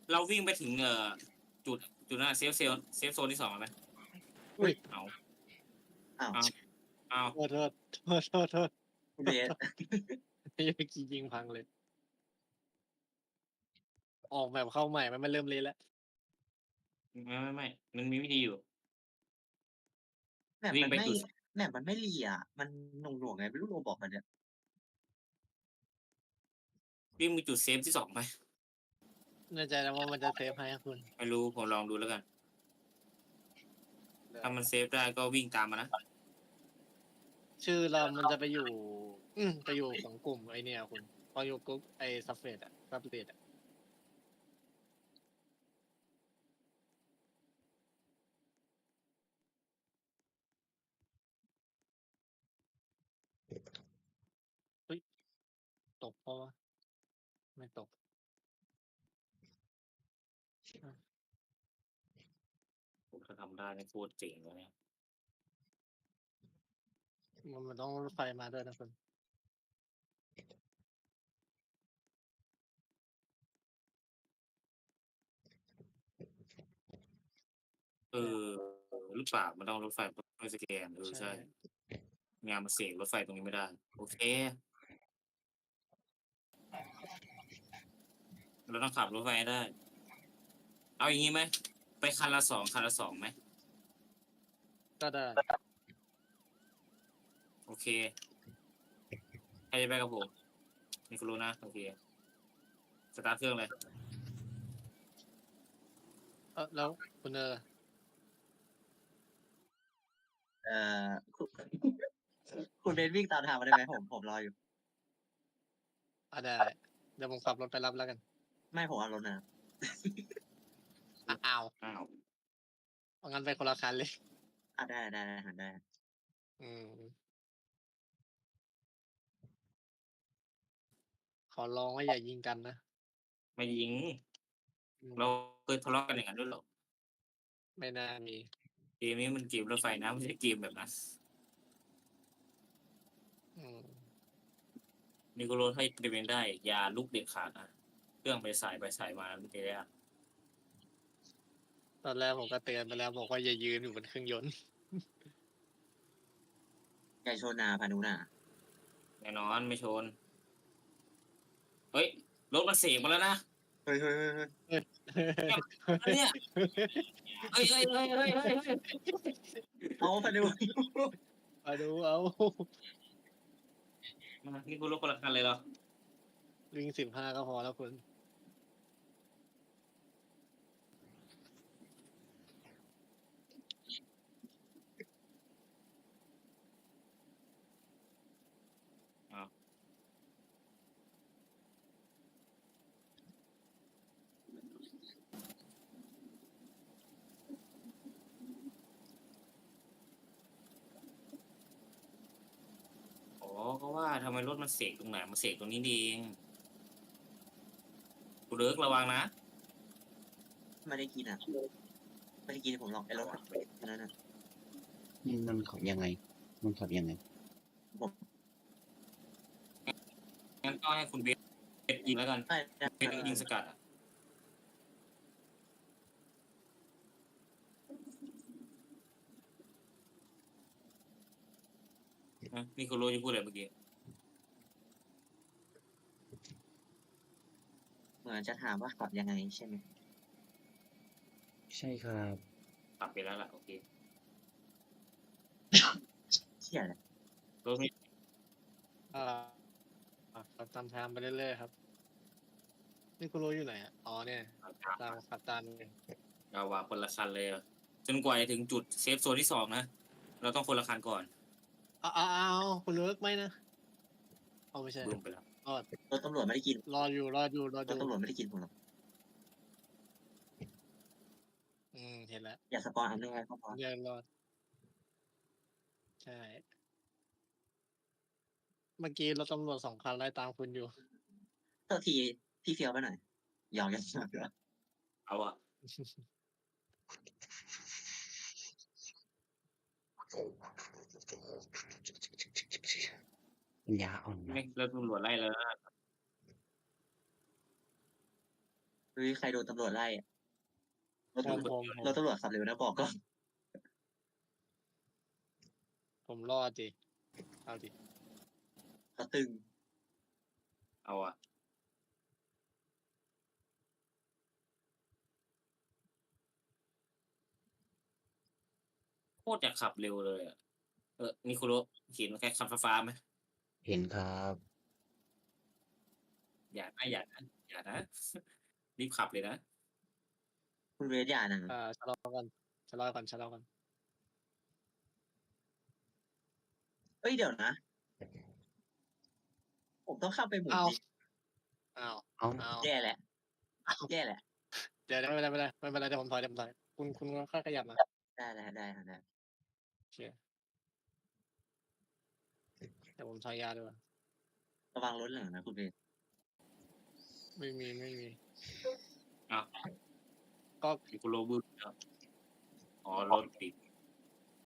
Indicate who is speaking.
Speaker 1: เราวิ่งไปถึงจุดจุดนั้นเซฟโซนที่2ไหม
Speaker 2: อุ้ย
Speaker 1: เอา
Speaker 3: อ้าว
Speaker 1: เอา
Speaker 2: โทษ
Speaker 3: เบส
Speaker 2: นี่เมื่อกี้ยิงพังเลย ออกแบบเข้าใหม่มันเริ่มเละแล้ว
Speaker 1: ไม่มันมีวิธีอยู่
Speaker 3: แมป
Speaker 1: วิ่ง
Speaker 3: มัน
Speaker 1: ไป
Speaker 3: ไม่
Speaker 1: จุด
Speaker 3: แมปมันไม่รีอ่ะ มันหน่วงๆไงไม่รู้โรบอกมันเนี่ย
Speaker 1: วิ่งไปจุดเซฟที่2ไหม
Speaker 2: แน่ใจแล้วว่ามันจะเซฟให้คุณ
Speaker 1: ไม่รู้ผมลองดูแล้วกัน ถ้ามันเซฟได้ก็วิ่งตามมานะ
Speaker 2: ชื่อเรามันจะไปอยู่ไปอยู่ของกลุ่มไอเนี่ยคุณ พออยู่กลุ่มไอซับเฟดอะซับเฟดอะเฮ้ยตกเพราะว่าไม่ตก
Speaker 1: ผมถ้าทำได้เนี่ยโคตรเจ๋งเลยเนี่ย
Speaker 2: มันต้องรถไฟมาด้วยนะคุณ
Speaker 1: หรือเปล่ามันต้องรถไฟไม่สแกนใช่งานมาเสกรถไฟตรงนี้ไม่ได้ โอเค เราต้องขับรถไฟได้ เอาอย่างนี้ไหมไปคันละ2ไหม
Speaker 2: ก็ได้
Speaker 1: โอเคใครจะไปกับผมนี่ก็รู้นะโอเคสตาร์ทเครื่องเลย
Speaker 2: แล้วคุณ
Speaker 3: คุณคุณเบสวิ่งตามทางมาได้ไหมผมรออยู่
Speaker 2: ได้เดี๋ยวผมขับรถไปรับแล้วกัน
Speaker 3: ไม่ผมเอารถนะ
Speaker 2: อ้าว
Speaker 1: อ้าว
Speaker 2: งั้นไปคนละคันเลย
Speaker 3: ได้
Speaker 2: ขอร้องว่าอย่ายิงกันนะ
Speaker 1: ไม่ยิง เราเคยทะเลาะกันอย่างนั้นด้วยหรอ
Speaker 2: ไม่น่ามี
Speaker 1: เกมนี้มันเกมรถไฟนะไม่ใช่เกมแบบนั้นนี่ก็รถให้เดินได้อย่าลุกเด็ดขาดนะเครื่องไปสายมาไม่ได้
Speaker 2: ตอนแรกผมก็เตือนไปแล้วบอกว่าอย่ายืนอยู่บนเครื่องยนต์
Speaker 3: ใจโชนาพานุนา
Speaker 1: แน่นอนไม่ชน เฮ้ยรถมันเสกมาแล้วนะ
Speaker 3: เฮ้ย
Speaker 1: เนี่ยเฮ้ย
Speaker 3: เอาพานุ
Speaker 2: มาดูเอา
Speaker 1: นี่คุณรถคนละคันเลยเหรอ
Speaker 2: วิ่ง15ก็พอแล้วคุณ
Speaker 1: อ๋อก็ว่าทำไมรถมันเสกตรงไหนมันเสกตรงนี้เองกูเลิกระวังนะ
Speaker 3: ไม่ได้กินผมลองไอ้รถนั่นน่ะ
Speaker 4: มันขับยังไง
Speaker 1: งั้นก็ให้คุณเบสยิงแล้วกันเบสยิงสกัดนี่คุณรู้จะพูดอะไรเมื่อกี้
Speaker 3: เหมือนจะถามว่าขับยังไงใช่ไหม
Speaker 4: ใช่ครับ
Speaker 1: ปรับไปแล้วล่ะโอเค
Speaker 3: เชี่ยเลย
Speaker 1: รถไม่
Speaker 2: ขับตามทางไปเรื่อยๆครับ นี่คุณรู้อยู่ไหนอ่ะ อ๋อเนี่ยตามขับตามเลย
Speaker 1: เราว่าคนละคันเลยจนกว่าจะถึงจุดเซฟโซนที่2นะเราต้องคนละคันก่อน
Speaker 2: คุณเลิกไหมนะเอาไม่ใช่
Speaker 1: บึ้มไปแล้ว
Speaker 3: รถตำรวจไม่ได้กิน
Speaker 2: รออยู่
Speaker 3: รถตำรวจไม่ได้กินผมหรอก
Speaker 2: เห็นแล้ว
Speaker 3: อย่าสปอยอันนึงไงก็พอ
Speaker 2: เดินรอด ใช่ เมื่อกี้รถตำรวจ2 คันไล่ตามคุณอยู่
Speaker 3: เท่าทีพี่เฟียวไปหน่อยยอมกัน
Speaker 1: เอาอะ
Speaker 4: ยาอ่อน
Speaker 1: ไม่แล้วตำรวจไล่แล้วนะ
Speaker 3: เฮ้ยใครโดนตำรวจไล่อะรถ
Speaker 2: ผม
Speaker 3: ตำรวจ
Speaker 2: ผมผม
Speaker 3: รถตำรวจขับเร็วนะบอกก่อน
Speaker 2: ผมรอดดิเอาดิ
Speaker 3: เขาตึง
Speaker 1: เอาอะโคตรอยากขับเร็วเลยอะนิโคโรเห็นแค่ขับฟ้าๆไหม
Speaker 4: เห็นครับ
Speaker 1: อย่านะ รีบขับเลยนะ
Speaker 3: คุณเวทอย่านะ
Speaker 2: ชะลอก่อนชะลอก่อนชะลอก่อน
Speaker 3: เอ้ยเดี๋ยวนะ ผมต้องเข้าไปหมุน
Speaker 2: อ้าว
Speaker 3: ดิ
Speaker 2: อ้าว
Speaker 4: เอ้า
Speaker 2: อ้าว
Speaker 3: แย่แหละแย่แหละ
Speaker 2: เดี๋ยวไม่เป็นไรไม่เป็นไรเดี๋ยวผมถอยคุณค่อยขยับมา
Speaker 3: ได้แล้วได้แล้วได้
Speaker 2: โอเคเดี๋ยวผมถอยยาด้วย
Speaker 3: ระวังรถหลังนะคุณเวท
Speaker 2: ไม่มี
Speaker 1: อ้าว
Speaker 2: ก็
Speaker 1: นิโคโรบึ้มแล้วอ๋อรถติด